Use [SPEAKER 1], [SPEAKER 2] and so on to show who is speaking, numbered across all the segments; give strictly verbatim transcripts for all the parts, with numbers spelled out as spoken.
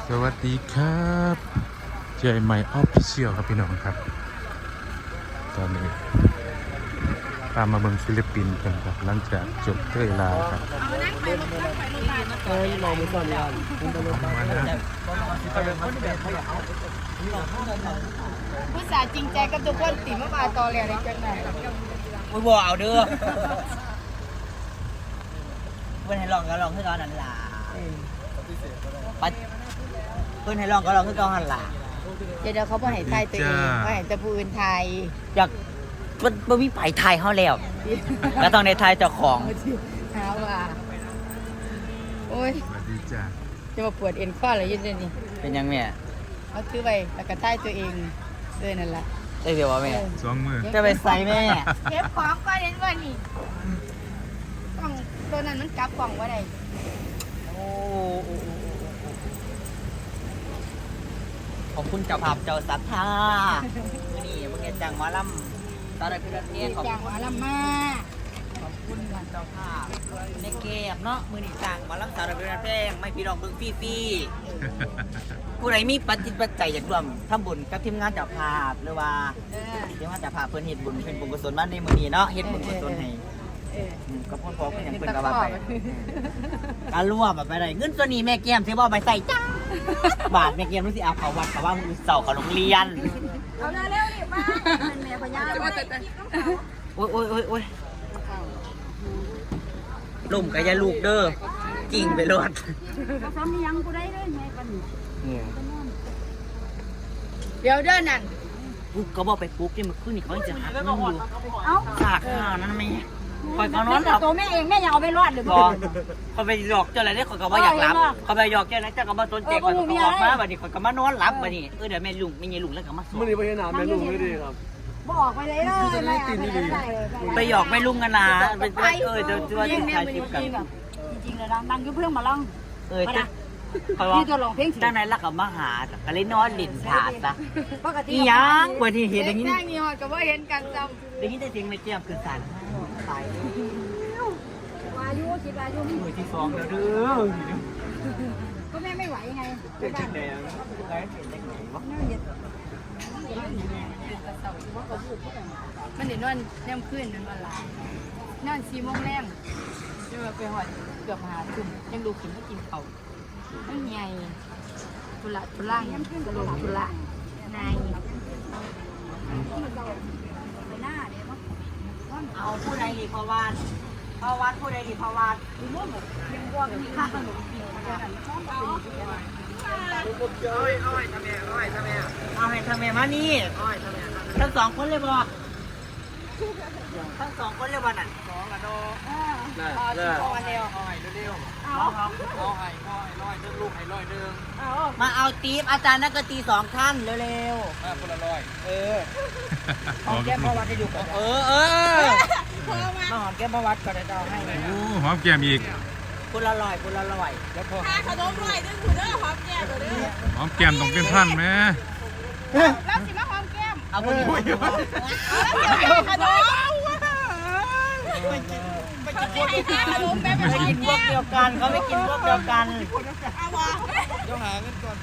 [SPEAKER 1] สวัสดีครับเจอใหม่ออฟฟิเชียลครับพี่น้องครับตอนนี้ตามมาเมืองฟิลิปปินส์กันครับหลังจากจบเตยลาครับ
[SPEAKER 2] เออมองมือก่อนก่อนคุณตำรวจมาแล้ว
[SPEAKER 3] ผู้สาวจริงใจกับทุกคนติมาบาตอแหลในจังไหน
[SPEAKER 2] มึงบอกเอาเด้อเพื่อนให้ลองก็ลองคือตอนนั้นล่ะปัดเพื่อนให้ลองก็ลองคือตอนนั้นล่ะ
[SPEAKER 3] เดี๋ยวเขาบ่ให้ทายตัวเองเขาให้แต่ผู้อื่นทาย
[SPEAKER 2] อยากมันมันมีไปไทยเขาแล้วแล้วต้องในไทยเจ้าของ
[SPEAKER 3] เท้าว่าโอ้ย
[SPEAKER 1] สวัสดีจ้า
[SPEAKER 3] จะมาปวดเอ็นข้ออะไรยืนเลยนี่
[SPEAKER 2] เป็นยังแม่
[SPEAKER 3] เอาถือไปแล้วก็ทายตัวเองเลยนั่นแหละ
[SPEAKER 2] ได้เดี๋ยวว่าแม่
[SPEAKER 1] สองมือ
[SPEAKER 2] จะไปใส่แม่
[SPEAKER 3] เก็บของก็เห็นว่านี่กล่องตัวนั้นมันกลับกล่องว่าได
[SPEAKER 2] โอ้ขอบคุณเจ้าภาพเจ้าศรัทธามื่อนี้มึงจะจ้างหมอลำตอนนี้เป็นเทศของ
[SPEAKER 3] จ้างหมอลำมา
[SPEAKER 2] ขอบคุณเจ้าภาพในเกมเนาะมือนี้จ้างหมอลำสารเป็นเพลงไม่พี่น้องเบิ่งฟรีๆผู้ใดมีปัจจิตปัจจัยอยากร่วมทำบุญกับทีมงานเจ้าภาพหรือว่าทีมงานเจ้าภาพเพิ่นเฮ็ดบุญเป็นบุญกุศลมาในมื้อนี้เนาะเฮ็ดบุญกุศลให้ก็พ่อพ่อเพิ่นหยังเพิ่นก็ว่าไปการร่วมไปได้เงินตัวนี้แม่แก้มสิบ่ไปใส่จ้าบาทแม่แก้มรู้สิเอาเข้าวัดกับว่ามื้อเช้าเข้าโรงเรียน
[SPEAKER 3] เอาเร็วๆนี่มาแม่พญา
[SPEAKER 2] โอ้ยโอ้ยโอ้ยโอ้ยลุ่มกับยาลูกเด้อกิ่งไปรถ
[SPEAKER 3] ซ้ำยังกูได้เลยแม่กันเดี๋ยวเด้อนั่น
[SPEAKER 2] ปุ๊บก็บอกไปปุ๊บที่มันขึ้นนี่เขาจะหักเงินอยู่สากข้าวนั่นไหมคอยเขานอนหลับ
[SPEAKER 3] ตัวแม่เองแม่ยังเอาไปรอดหรือเปล่า
[SPEAKER 2] เขาไปหยอกเจ้าอะไรได้คอยก็ว่าอยากหลับเขาไปหยอกเจ้าอะไรเจ้าก็มาต้นเจ๊คอยก็ออกมาบัดนี้คอยก็มานอนหลับบัดนี้เออเดี๋ยวแม่ลุงแม่ยายลุงแล้วก็มาสอน
[SPEAKER 4] มันนี่ไปหนาแม่ลุงไม่ดีครับ
[SPEAKER 3] บอกไปเลยเลยไม่ตีนี่ดี
[SPEAKER 2] ไปหยอกแม่ลุงกันนะไปเออเดี๋ยวจะว่าจะถ่ายคลิปกัน
[SPEAKER 3] จริงๆเลยนะนั่งยุ่งเพื่อนมาล่อง
[SPEAKER 2] เออจ้ะเขาว่าตั้งในรักกับมาหาก็เลยนอนหลินถาดซะอีหยังวันที่เห็นอย่างนี้
[SPEAKER 3] นั่งนี่หอดกับว่าเห็นกันจ
[SPEAKER 2] ำอย่างนี้ได้จริงในเจียมคือสารตายว
[SPEAKER 3] ายุคิดวายุ
[SPEAKER 2] มือที่สองแล้วเด้อ
[SPEAKER 3] ก็แม่ไม่ไหวไง
[SPEAKER 2] เป็นจังไงไงเป็นจังไงวะ
[SPEAKER 3] มันเดี๋ยวนอนแนมขึ้นนั่นวันละนอนสี่โมงแรมเดี๋ยวไปหอดเกือบหาทุ่มยังดูขึ้นไม่กินเขาไม่ใหญ่ทุละทุล่างกระโหลกทุละนาย
[SPEAKER 2] เอาผู้ใดดีพอวานพอวานผู้ใดดีพอวานยังว่างมีค่าขนมกินเอาให้เอาให้ทำไมเอาให้ทำไมเอาให้ทำไมมานี่ทั้งสองคนเลยบ่ทั้งสองคนเลยบ่น่ะสองกันโดเอาสิเอาอันเดียวเอาให้เร็วๆเอาครับเอาให้เอาให้ร้อยหนึ่งลูกให้ร้อยหนึ่งมาเอาตีฟอาจารย์นักตีสองท่านเร็วๆมาคนละร้อยเออหอมแก้มประวัติให้ดูก่อนเออเออมาหอมแก้มประวัติก่อนเดี๋ยวเอาให้
[SPEAKER 1] โอ้หอมแก้มอีก
[SPEAKER 2] คนละร้อยคนละร้อยแล้วพอ
[SPEAKER 3] ขนมร้อยนึงคุณเด้อหอมแก้มเด้อ
[SPEAKER 1] หอมแก้มต้องเป็นพันไหม
[SPEAKER 3] แล้วสิมาหอมแก้ม
[SPEAKER 2] เอาคนนี้
[SPEAKER 3] แล้วสิขนมไปกินไปกินขนมแม่ไป
[SPEAKER 2] กินพวกเดียวกันเขาไม่กินพวกเดียวกัน
[SPEAKER 3] เอาวะ
[SPEAKER 4] เดี๋ยวหาเงินก่อน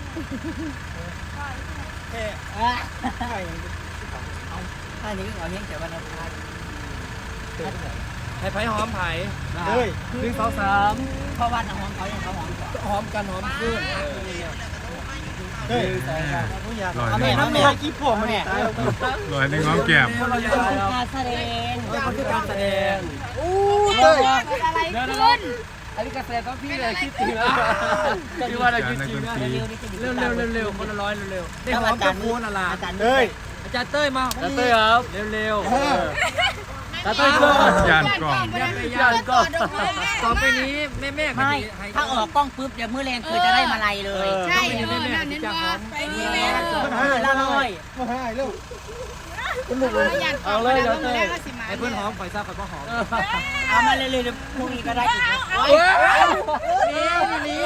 [SPEAKER 2] เฮ้ยท่านี้ก็ขอเลี้ยงแต่วันอังคาร
[SPEAKER 4] ให้ไผ่หอมไผ่เฮ้ยหนึ่งสองสาม
[SPEAKER 2] เพราะว่าหอมเขาอย่างเขาหอม
[SPEAKER 4] หอมกันหอมขึ้นเฮ้ยผู้ใหญ่
[SPEAKER 2] เอาแม่น้ำแม่กิ๊บผมมาเนี่ย
[SPEAKER 1] ลอยในหอมแก้ม
[SPEAKER 2] การแสดง
[SPEAKER 4] คนที่การแสดง
[SPEAKER 2] อู้เฮ้ย
[SPEAKER 3] อะไรขึ้น
[SPEAKER 4] อันนี้การแสดงต้องพี่เลยคิดจริงนะคิดว่าอะไรคิดจริงนะเร็วเร็วเร็วเร็วคนละร้อยเร็วได้หอมกับโคนอะไร
[SPEAKER 2] อาจารย์เต้ย
[SPEAKER 4] อาจารย์เต้ยมาอาจารย์เต้ยครับเร็วเร็วตาเต้ยก็
[SPEAKER 1] ยานกล้อง
[SPEAKER 4] ยานกล้องต่อไปนี้แม่แม่
[SPEAKER 2] ไม่ถ้าออกกล้องปุ๊บเดี๋ยวมือแรงคือจะได้มาลัยเลย
[SPEAKER 3] ใช่แม่แม่เน้นว่าไปนี่แม่
[SPEAKER 2] ละร้อย
[SPEAKER 4] มาให้เร็ว
[SPEAKER 3] เอาเลยเดี๋ยวเต้ย
[SPEAKER 4] ไอ้เพื่อนหอมข่อยทราบข่อยบ่หอม
[SPEAKER 2] เอามาเลยเลยพรุ่งนี้ก็ได้อีก
[SPEAKER 4] นี่นี่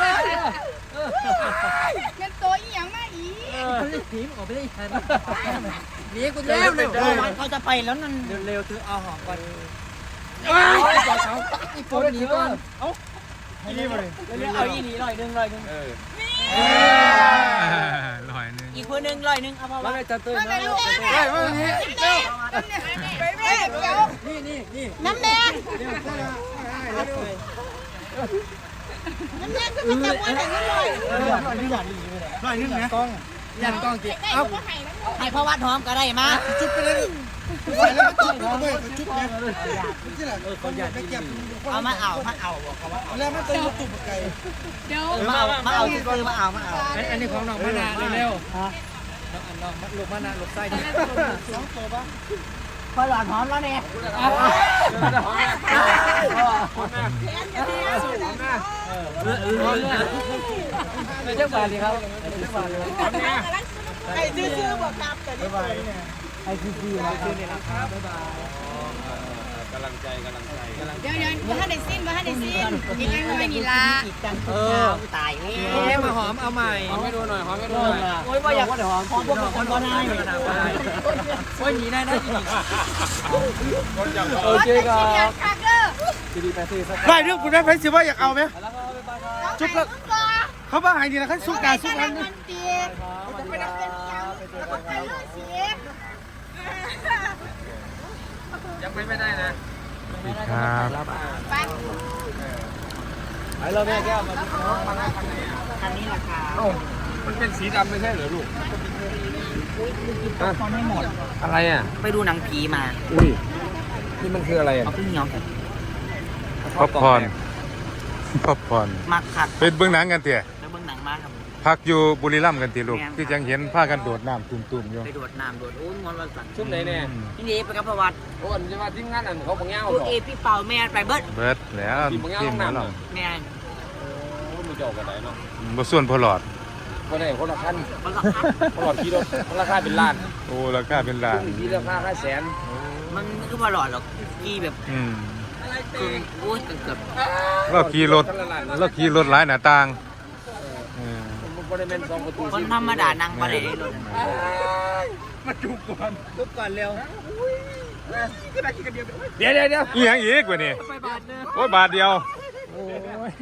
[SPEAKER 3] เงินตัวอีหยังมาอี
[SPEAKER 4] หนีมันออกไปได้ทันหนีกู
[SPEAKER 2] เร็วเร็วเขาจะไปแล้วนั่น
[SPEAKER 4] เร็วๆถือเอาหอมก่อน
[SPEAKER 2] อีโฟนหนีก่อนเอ้านี่มาเลยเอาอีหนีหน่อยนึงหน่อยนึง
[SPEAKER 1] ลอยหนึง
[SPEAKER 2] อีกคนหนึ่งร้อยหนึ่งเอามา
[SPEAKER 4] มา
[SPEAKER 2] ว่า
[SPEAKER 4] เลยจัดตื่นมาเร็ว
[SPEAKER 5] เฮ้ยมานี่เร็ว
[SPEAKER 4] นี่นี่นี่
[SPEAKER 5] น้ำแดงน้ำแดงก็ไม่จับวันไหนกันเลย
[SPEAKER 4] ร้อยนึงนะกล้องยันกล้องจิเอ้า
[SPEAKER 2] ให้พ่อวัดหอมก็ได้มา
[SPEAKER 5] จุดไปเลยไปแล้วก็จุดไปจุดเนี่ยที่ไหน
[SPEAKER 4] เออเขาอยาก
[SPEAKER 5] ไป
[SPEAKER 4] กิน
[SPEAKER 5] เก็บ
[SPEAKER 2] เอามาเอามาเอาบอกเขาว่าเอา
[SPEAKER 5] แล้วมันต้องยุบตุ่มไก่
[SPEAKER 3] เดี๋ยว
[SPEAKER 2] มาเอามาเอาซื้อมาเอามาเอา
[SPEAKER 4] อันนี้ของน้องมะนาวเร็วๆน้องอันน้องลูกมะนาวลูกไส้ดิ
[SPEAKER 2] พอหลอดหอมแล้วเนี่ย
[SPEAKER 4] เจ้าบาทดีครับเจ้าบาทเลย
[SPEAKER 5] ไก่ซื่อๆบอกครับแต่นี่ไป
[SPEAKER 4] ไอซีซีนะคือนี่นะครับบ๊ายบายกำลังใจกำลังใจกำลัง
[SPEAKER 3] เดี๋ยวเดี๋ยวว่าให้ได้สิ้นว่าให้ได้สิ้นยังไงมันไม่มีลา
[SPEAKER 2] อีกจังทุกเช้าตายแล้
[SPEAKER 4] เอ๊ะ
[SPEAKER 2] ว
[SPEAKER 4] มาหอมเอาใหม่หอมให้ดูหน่อยหอมให้ดูหน่อย
[SPEAKER 2] โอ้ยว่าอยากหอมหอมพวกคนก็ได้
[SPEAKER 4] โอ้ยหนีได้ได้จริงโอเคครั
[SPEAKER 3] เดี๋ยว
[SPEAKER 4] บ
[SPEAKER 3] คักเด้อ
[SPEAKER 4] ดีดีไปสิสัก
[SPEAKER 5] ได้เรื่องคุณแม่ไพสิว่าอยากเอาไหม
[SPEAKER 4] แล้วก็ไปไป
[SPEAKER 5] จุ๊บแล้วเขาบ้าหายดีนะเขาสุกการสุกกัน
[SPEAKER 3] มันเตียน
[SPEAKER 4] จะไปรับเป็นยังไปยังไม่ได้นะ
[SPEAKER 1] สวัสดีครับ
[SPEAKER 3] ไป
[SPEAKER 4] ไปเราแม่แก้วมามาหน้าคันไหน
[SPEAKER 2] อันนี้ราคา
[SPEAKER 4] เอ้ามันเป็นสีดำไม่ใช่เหรอลูก
[SPEAKER 2] คนไม่หมด
[SPEAKER 4] อะไรอ่ะ
[SPEAKER 2] ไปดูหนังผีมา
[SPEAKER 4] อุ้ยนี่มันคืออะไรอ่ะ
[SPEAKER 2] เอาพึ่งยองกัน
[SPEAKER 1] ป๊อปคอร์นป๊อปคอร์น
[SPEAKER 2] มักขัด
[SPEAKER 1] เป็นเบื้องหนังกันเตี่ย
[SPEAKER 2] แล้วเบิ่งหนังมาครับ
[SPEAKER 1] พักอยู่บุรีรัมย์กันตีลูกที่จังเห็นผ้ากันโดดน้ำตุ่มๆอยู่
[SPEAKER 2] ไปโดดน้ำโดดโอ้ยงอนวันสั่น
[SPEAKER 4] ชุดไหนเนี่ย
[SPEAKER 2] พี่นี่ไปกับประวัติ
[SPEAKER 4] โอ้ยจะมาทีมงานอันเขาบังเงา
[SPEAKER 2] ลูก
[SPEAKER 4] หรอ
[SPEAKER 2] เอพี่เป่าแม่ไปเบิด
[SPEAKER 1] เบิดแล้ว
[SPEAKER 4] ทีมบังเงา
[SPEAKER 1] ที
[SPEAKER 4] ห้
[SPEAKER 1] ม
[SPEAKER 4] อง
[SPEAKER 1] หมอ
[SPEAKER 4] น้ำ
[SPEAKER 1] ล
[SPEAKER 4] เนาะ
[SPEAKER 2] แม่
[SPEAKER 4] โอ้มีจอกกันไหนเนาะ
[SPEAKER 1] ำบ่ส่วนพอหลอด
[SPEAKER 4] คนไหนคนละขั้น
[SPEAKER 2] มันก็คัด
[SPEAKER 4] คนละขี่รถคนละค่าเป็นล้าน
[SPEAKER 1] โอ้ราคาเป็นล้าน
[SPEAKER 4] ที่ราคาค่าแสน
[SPEAKER 2] มันคือว่าหลอดหรอกกี่แบบ
[SPEAKER 1] อืม
[SPEAKER 2] คือโอ้ยเกือบ
[SPEAKER 1] เราขี่รถเราขี่รถหลายหน้าต่างเออ
[SPEAKER 4] มันก็ได้เป็นสองประตู
[SPEAKER 2] คนธรรมดานั่งมาได้รถ
[SPEAKER 4] มาจุกก่อนจุกก่อนเร็วเดี๋ยวเดี๋ยวเดี๋ยว
[SPEAKER 1] อีหยังอีกวะนี่
[SPEAKER 4] ไปบาทนึง
[SPEAKER 1] โอ้ยบาทเดียวโอ้ย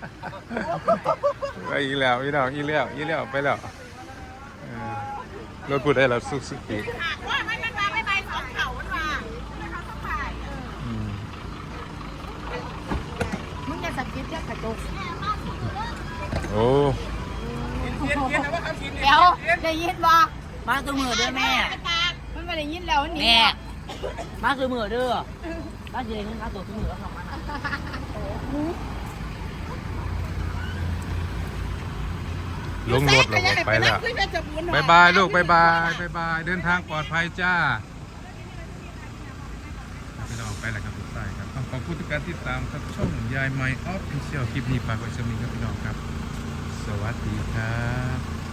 [SPEAKER 1] ไปอีกแล้วอีกแล้วอีกแล้วอีกแล้วไปแล้วเออรถพูดได้แล้วสุกสุกอีก
[SPEAKER 5] ว่าไม่เป็นไรไม่ไปสองเขามันมาเขาต้องถ่าย
[SPEAKER 1] อืม
[SPEAKER 3] มึงจะสกิปเรียกกระจก
[SPEAKER 1] โอ้
[SPEAKER 3] เดี๋ยวได้ยินบ่
[SPEAKER 2] มาคือมือเด้อแม่
[SPEAKER 3] มันไม่ได้ยินแล้วนี่
[SPEAKER 2] แม่มาคือมือเด้อบ้านเจริญมาตัวคือมือแล้วทำมัน
[SPEAKER 1] ลงรถแล้วก็ไปแล้วบายบายลูกบายบายบายบายเดินทางปลอดภัยจ้าพี่น้องไปแล้วครับทุกท่านครับขอบคุณทุกการติดตามครับช่องยายไมค์ออฟฟิเชียลคลิปนี้ฝากไว้สมิงครับพี่น้องครับ สวัสดีครับ